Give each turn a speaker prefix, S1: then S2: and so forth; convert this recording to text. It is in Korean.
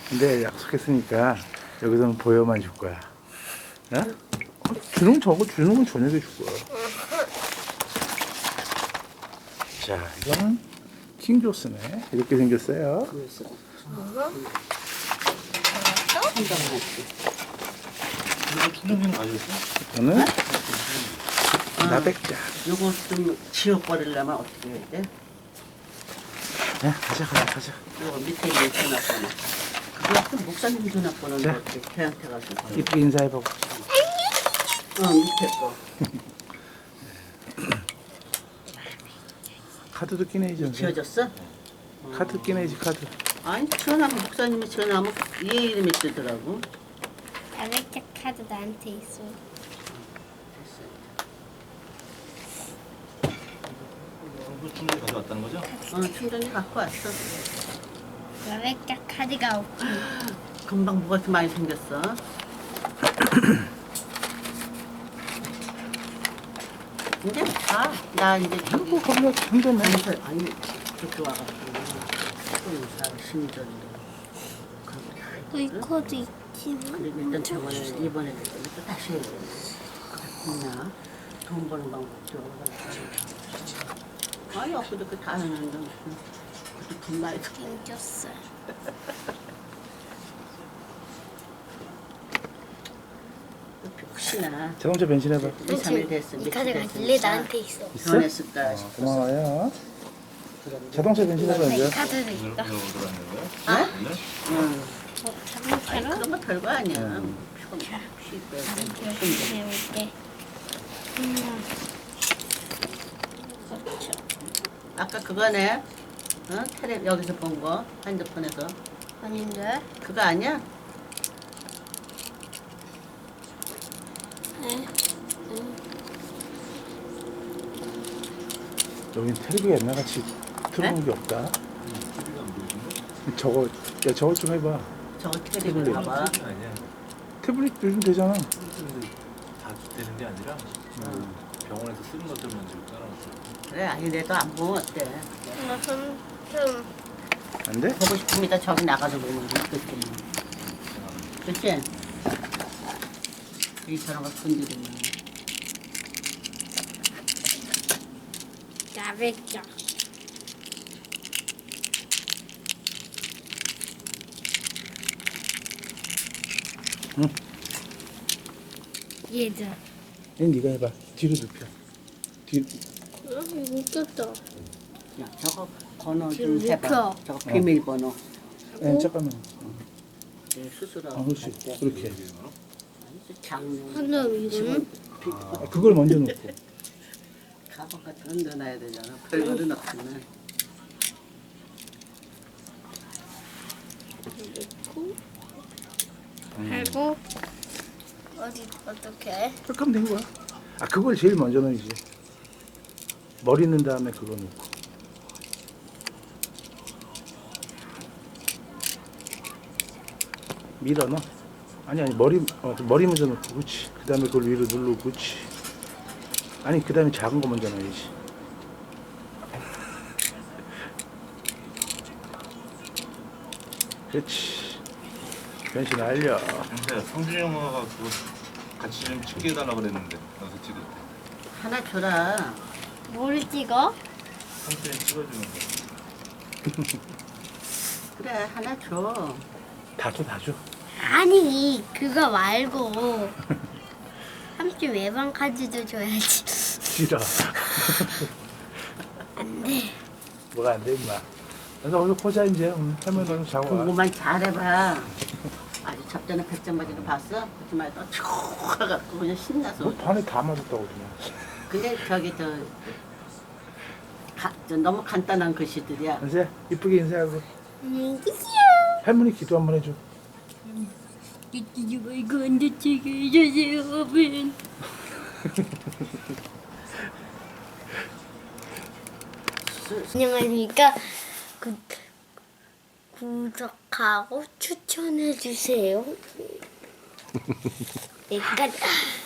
S1: 근데 약속했으니까 여기서는 보여만 줄 거야. 어? 주는 건 저녁에 줄 거야. 자, 이거는 킹조스네. 이렇게 생겼어요.
S2: 킹조스는 가져있어?
S1: 저는 나백자.
S3: 요거 좀 지워버리려면 어떻게 해야 돼?
S1: 야, 가자.
S3: 요거 밑에 있는 전화번호. 그거 목사님 전화번호는
S1: 네.
S3: 어떻게 걔한테 가서?
S1: 이쁘게 인사해보고.
S3: 밑에 거.
S1: 카드도 끼내야지.
S3: 지워졌어?
S1: 카드 끼내야지, 카드.
S3: 아니 전화하면 목사님이 전화하면 얘 이름이 뜨더라고.
S4: 나백자 카드 나한테 있어.
S2: 이거 충분히 가져왔다는 거죠?
S3: 충전이 갖고 왔어.
S4: 나백자 카드가 없지.
S3: 금방 뭐가 이렇게 많이 생겼어? 이제 가. 나 이제
S1: 뭐, 거기가 한점에.
S3: 아니 저기 와가지고 또 인사를 심전도
S4: 이 코드 있지만.
S3: 그리고 일단 저번에 이번에 또 다시 해야 돼. 그랬나? 돈 버는 방법 들어가지고 아니 엊그저께 다 했는데 그것도 돈 많이 들
S4: 생겼어.
S3: 혹시나
S1: 자동차 변신해봐.
S3: 2, 3일 됐어.
S4: 이 카드가 원래 나한테 있어.
S1: 있어?
S3: 변했을까 싶어.
S1: 고마워요. 자동차 변신해봐,
S4: 이
S1: 이제.
S4: 카드도
S2: 오늘
S4: 있다.
S2: 오늘 들어왔는 거야?
S3: 아?
S2: 오늘?
S3: 응. 아니
S4: 자동차로
S3: 그런 거 별거 아니야. 조금
S4: 이렇게
S3: 쉬고.
S4: 해볼게. 그렇죠.
S3: 아까 그거네. 테레 여기서 본 거 핸드폰에서
S4: 아닌데?
S3: 그거 아니야?
S4: 네.
S1: 여긴 텔레비가 옛날같이 틀어놓은 게 없다. 저거, 야, 저거 좀 해봐.
S3: 저거 테레비 봐봐.
S2: 아니야.
S1: 태블릿 요즘 되잖아.
S2: 자주 되는 게 아니라 병원에서 쓰는 것들만 지금 따라놨어.
S3: 그래 아니 내도 안 보면 어때?
S4: 좀
S1: 안 돼?
S3: 보고 싶으면 저기 나가서 보면 있겠지. 그치? 이처럼 거 건드리면.
S4: 나백자.
S1: 응.
S4: 얘들.
S1: 얘 네가 해봐. 뒤로 눕혀. 뒤.
S4: 웃겼다.
S3: 야 저거 번호
S4: 지금
S3: 좀 해봐.
S4: 눕혀.
S3: 저거 비밀번호.
S1: 예, 잠깐만.
S3: 내 스스로.
S1: 그렇지. 그렇게.
S3: 장롱.
S4: 그럼 이거는
S1: 그걸 먼저 놓고.
S3: 가방 같은 거 넣어놔야 되잖아. 별거는 없지만.
S4: 넣고 하고 어디 어떻게?
S1: 그렇게 하면 된 거야. 아, 그걸 제일 먼저 넣어야지. 머리 넣은 다음에 그거 넣고. 밀어 넣어. 아니, 머리 먼저 넣고, 그렇지. 그 다음에 그걸 위로 누르고, 그렇지. 아니, 그 다음에 작은 거 먼저 넣어야지. 그렇지. 변신 완료.
S2: 근데 성준이 형아가 그거 같이 좀 찍어달라고 그랬는데 나서 찍을 때
S3: 하나 줘라.
S4: 뭘 찍어?
S2: 성준이 찍어주는 거.
S3: 그래 하나 줘.
S1: 다 줘, 다 줘.
S4: 아니 그거 말고 삼촌 외방 카드도 줘야지.
S1: 싫어.
S4: 안 돼.
S1: 뭐가 안 돼, 임마. 그래서 오늘 보자, 이제. 할머니 너무 자고 와.
S3: 공부만 잘해봐. 아주 접전에 100점 맞은 거 봤어? 그렇지 말고 쭉 가갖고 그냥 신나서.
S1: 뭐 반에 다 맞았다고, 그냥.
S3: 근데 저기 저 너무 간단한 글씨들이야.
S1: 이제 이쁘게 인사하고.
S4: 안녕히 계세요.
S1: 할머니 기도 한번 해줘.
S4: 이거 이거 안 다치게 해주세요, 아멘. 안녕하십니까. 구독하고 추천해 주세요. 내가